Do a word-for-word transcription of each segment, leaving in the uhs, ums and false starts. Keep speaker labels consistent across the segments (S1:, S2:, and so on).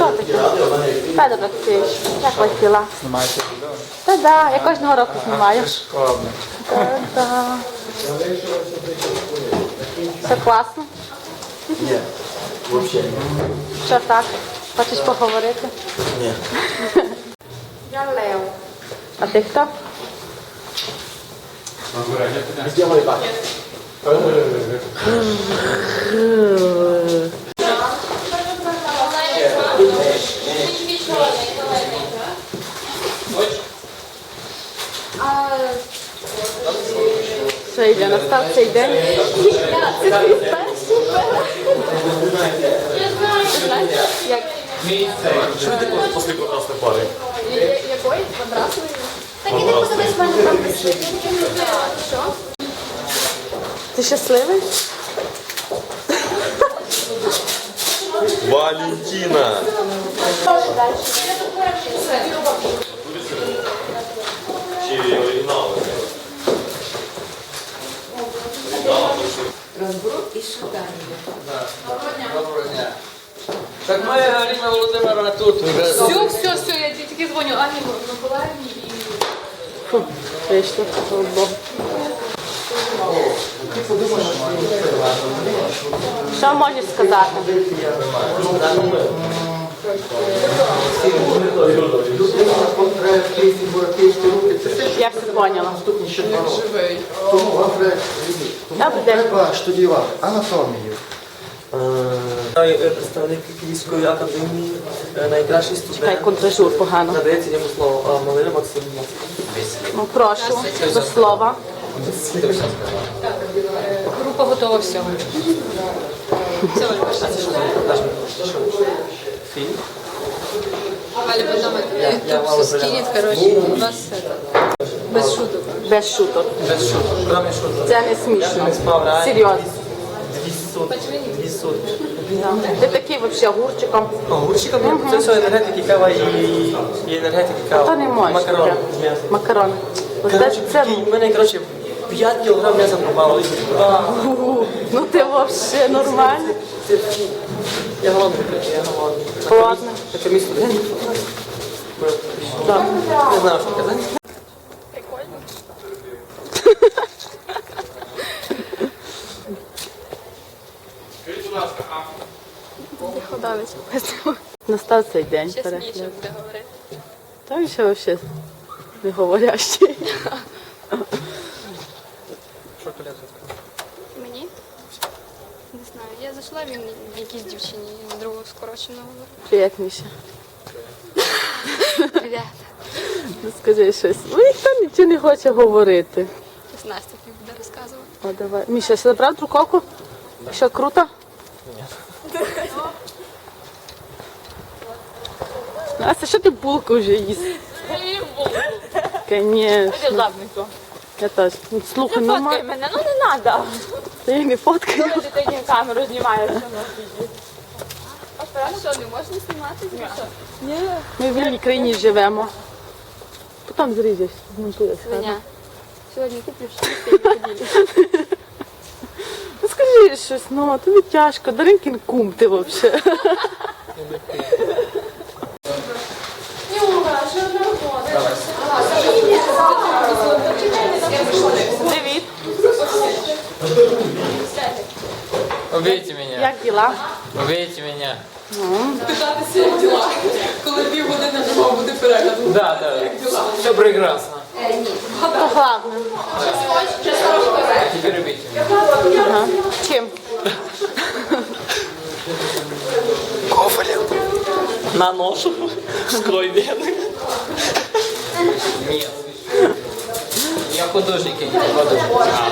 S1: Що таке? Федор Олексійович, як ви тіла?
S2: Знімаєте відео?
S1: Та да, я кожного року знімаю.
S2: Складно.
S1: Та да. Все класно?
S3: Ні, взагалі.
S1: Що так? Хочеш поговорити?
S3: Ні.
S1: Я Лев. А ти хто?
S3: Сделай так.
S1: Все, йде, настав цей день. Це твій перший Як?
S3: Що ви таке після прекрасної пари?
S1: Якої? Мадрасової? Так іди подивись, в мене там прийшли. Що? Ти щасливий?
S3: Валентина! Чи оригінали?
S4: Розброд і шукання.
S5: Доброго дня. Так моя Галина Володимировна тут вже.
S6: Все, все, все, я тільки дзвоню Ані Миколаївні і...
S1: Фу, вийшло, слава Богу. Що можеш сказати? Я все поняла.
S7: Тому вам треба
S1: Добрий день.
S7: треба штудіювати анатомію.
S8: Представник Київської академії, найкращий
S1: Хай
S8: студент.
S1: контражур погано.
S8: Надається йому слово Малина Максим.
S1: Ну прошу, до слова.
S6: Група готова всього. Все, Валя, пошли.
S8: Фільм.
S6: Валя, потом
S8: Я-
S6: это
S8: я
S6: YouTube
S8: мало
S6: все скинет,
S8: заляла.
S6: короче, у вас это, без шуток.
S1: Без шуток.
S8: Без шуток. Кроме шуток.
S1: Це не смішно.
S8: Справа.
S1: Серйозно.
S8: Дві сотні. Дві сотні.
S1: Ти такий взагалі гурчиком.
S8: Огурчиком це все енергетики, кава і, і енергетики, кава.
S1: Та не можеш.
S8: Макарони
S1: таке.
S8: з м'ясом.
S1: Макарони. Ось
S8: Коротше,
S1: це,
S8: прикинь, в мене, коротше, п'ять кілограм м'яса пропало.
S1: Фу, ну ти взагалі нормальний.
S8: Я голодний, я голодний.
S1: Ладно.
S8: Це мій студент.
S1: Так.
S8: Не знаю, що казати.
S1: Настав цей день
S6: Ще смішно
S1: перегляд.
S6: буде говорити.
S1: Та він ще взагалі не говорящий.
S9: Мені? Не знаю. Я зайшла, він якійсь дівчині з другого скороченого.
S1: Привіт, Міша.
S9: Привіт.
S1: Ну, скажи щось. Ну, ніхто нічого не хоче говорити.
S9: Ось Настя тобі буде розказувати.
S1: О, давай. Міша, забрав друковку? Що, круто? Ні. Настя, що ти булку вже їсть? Конечно.
S6: Задницю.
S1: Я теж. Ну, слухай,
S6: Фоткай
S1: нормально.
S6: мене, ну не треба.
S1: Та я не фоткаю.
S6: Ти тоді камеру знімаєш.
S9: А що, не можна знімати? Ні.
S1: Ми в вільній країні живемо. Потім зріжеш, змонтуєш.
S9: Свиня. Сьогодні куплю щось.
S1: Ну скажи щось, ну, тобі тяжко. Даринкін кум ти взагалі. Привіт.
S5: Убейте меня.
S1: Як діла?
S5: Убейте меня.
S6: Питатися, як діла. Коли півгодини вже мав бути перегляд.
S5: Да, да. Все прекрасно.
S1: То головне.
S5: Теперь убейте меня.
S1: Ага. Чим?
S8: На нож. Скрой вены.
S5: Нет. Я художник, я не художник.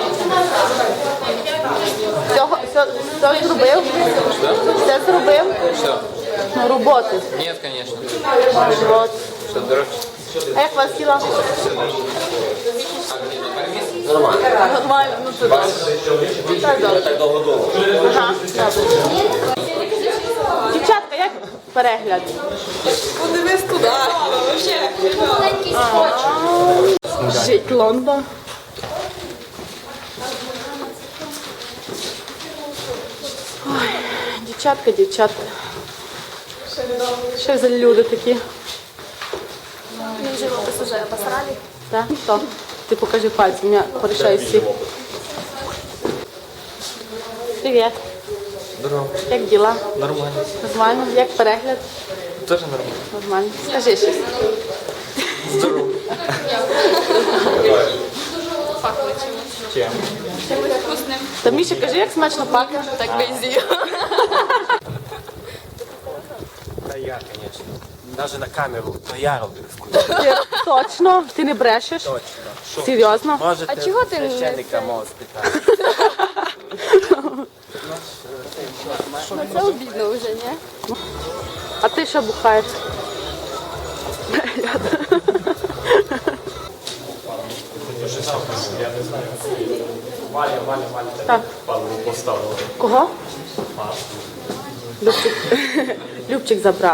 S1: Всього, все, все зробив? Все зробив?
S5: Что?
S1: Ну, роботи.
S5: Нет, конечно.
S1: От.
S5: Что, дороже?
S1: А як вас діла?
S3: Нормально.
S1: Нормально, ну то добре. Так, добре.
S3: Так довго довго.
S1: Ага, добре. Дівчатка, як перегляд?
S6: Подивись туди.
S1: Жить Лондон. Ой, дівчатка, дівчатка.
S2: Що за люди такі?
S1: Мій живопис уже посрали.
S2: Так? Хто? Ти покажи пальцем, я порішаю всі. Привіт.
S8: Здорово.
S2: Як діла?
S8: Нормально.
S2: Нормально? Як перегляд?
S8: Теж нормально.
S2: Нормально. Скажи щось.
S8: Здорово.
S9: Пахло чимось.
S8: Чим?
S9: Чимось вкусним.
S2: Та Міша, кажи, як смачно пахне.
S9: Так би і з'їв.
S3: Та я, звісно. Навіть на камеру, то я робив вкус.
S2: Ти точно? Ти не брешеш?
S3: Точно. Що?
S2: Серйозно?
S3: Можете
S9: А чого ти не
S3: священника
S9: це?
S3: мого спитати.
S9: Ну це обідно вже, ні?
S2: А ти що бухаєш?
S3: Валя, Валя, Валя.
S2: Так.
S3: Павло поставила.
S2: Кого? Любчик. Любчик забрав.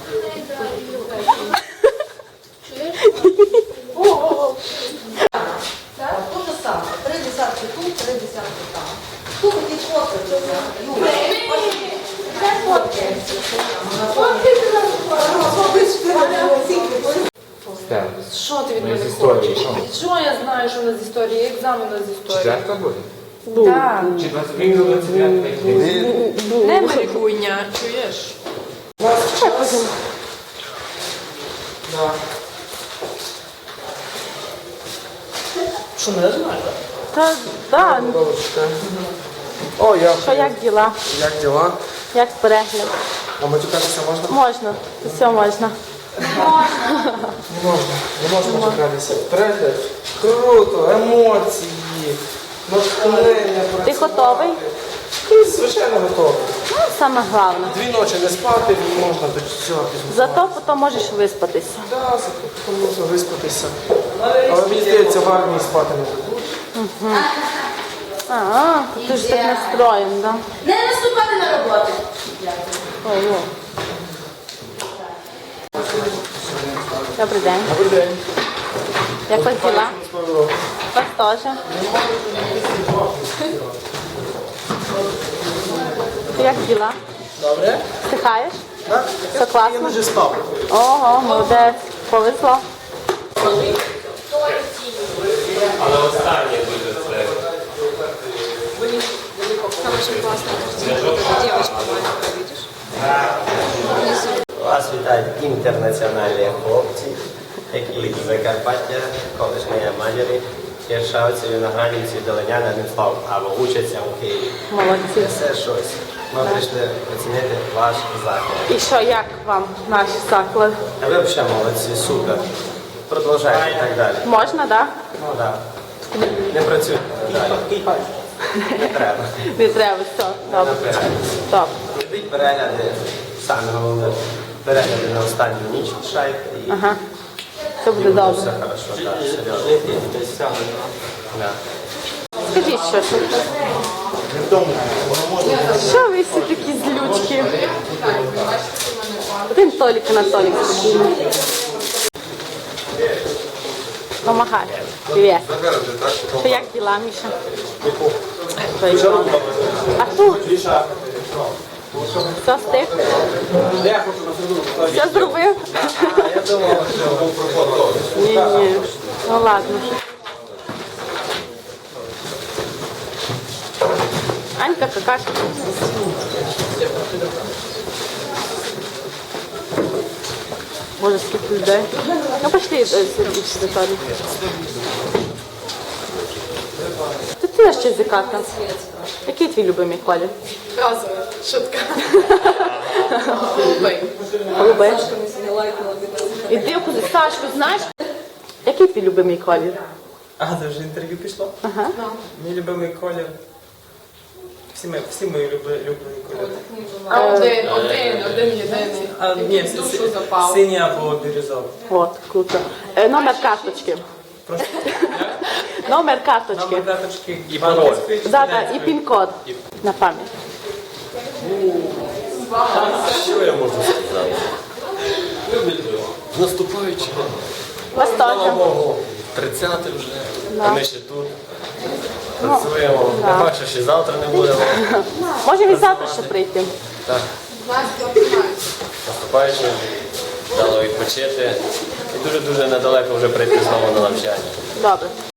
S4: Так, то же саме. Три десятки тут, три десятки там. Тут такі фотки. Юля, це фотки.
S6: Що ти від мене хочеш? Що я знаю, що у нас з історії? Екзамен у нас з історії.
S7: Четверта буде?
S6: Так.
S7: Чи двадцять три до двадцять дев'ять?
S6: Не марикуйня, чуєш?
S8: Що, не знаю?
S2: Та, да.
S7: О, я.
S2: Що, як діла?
S7: Як діла?
S2: Як перегляд?
S7: А матюкатися можна?
S2: Можна. Все можна.
S7: Не можна. Не можна матюкатися. Перегляд. Круто, емоції, натхнення.
S2: Ти готовий?
S7: Ти, звичайно, готовий.
S2: Ну, саме головне.
S7: Дві ночі не спати, не можна до цього пізно.
S2: Зато потім можеш виспатися.
S7: Так, зато можна виспатися. Але мені здається, в армії спати не буде.
S2: А, ти ж так настроєн, да?
S4: Не наступати на роботу.
S2: Ого. Добрий день.
S7: Добрий день.
S2: Як вас діла? Вас теж. Ти як діла?
S7: Добре?
S2: Встихаєш?
S7: Так?
S2: Все класно?
S7: Я вже спав.
S2: Ого, молодець. Повезло.
S3: Але останнє буде це.
S9: Там очень классно. Девочка маленькая, видишь?
S10: Вас вітають інтернаціональні хлопці, які з Закарпаття, колишньої Мадярі, Кіршавці, Виноградівці, Долиняни, одним словом, або учаться у Києві.
S2: Молодці.
S10: Це щось. Ми прийшли оцінити ваш заклад.
S2: І що, як вам наш заклад?
S10: А ви взагалі молодці, супер. Продовжайте і так далі.
S2: Можна, так?
S10: Ну так. Не працюйте далі. Не треба.
S2: Не треба, все. Добре. Стоп.
S10: Робіть перегляди, саме головне, перегляди на останню ніч шайки і
S2: Ага. Все буде
S10: все
S2: добре.
S10: хорошо, так, серйозно. Да.
S2: Скажіть щось. Що ви всі такі злючки? Один Толік Анатолік спокійний. Помагай. Привіт. Що, як діла, Міша? А тут? Все встиг? Все зробив?
S10: Я думав, що був проход.
S2: Ні, ні. Ну ладно. Анька, какашка. Боже, скільки людей. Ну пошли е, сюди, Віталій. Ти теж ще зікатна. Який твій любимий колір?
S6: Разове. Шутка. Голубий.
S2: Голубий.
S6: Сашка мені сьогодні лайкнула від нас.
S2: Іди куди. Сашку, знаєш? Який твій любимий колір?
S8: А, це вже інтерв'ю пішло?
S2: Ага.
S8: Мій любимий колір. Всі мої, всі мої люби- любимі кольори.
S6: А один, один, один єдиний.
S8: А,
S6: Який
S8: ні,
S6: в душу
S8: сі-
S6: запав.
S8: синій або бірюзовий.
S2: От, круто. Е, номер карточки.
S8: Просто
S2: Номер карточки.
S8: номер карточки
S3: І пароль.
S2: Да, да, і пін-код. На пам'ять.
S3: Що я можу сказати? З наступаючим.
S2: Вас
S3: Слава
S2: теж.
S3: Богу, тридцяте вже,
S2: Да.
S3: а ми ще тут працюємо.
S2: да.
S3: Не бачу, що завтра не будемо.
S2: Можемо і завтра ще прийти.
S3: Так.
S10: наступаючим, дало відпочити і дуже-дуже недалеко вже прийти знову на навчання.
S2: Добре.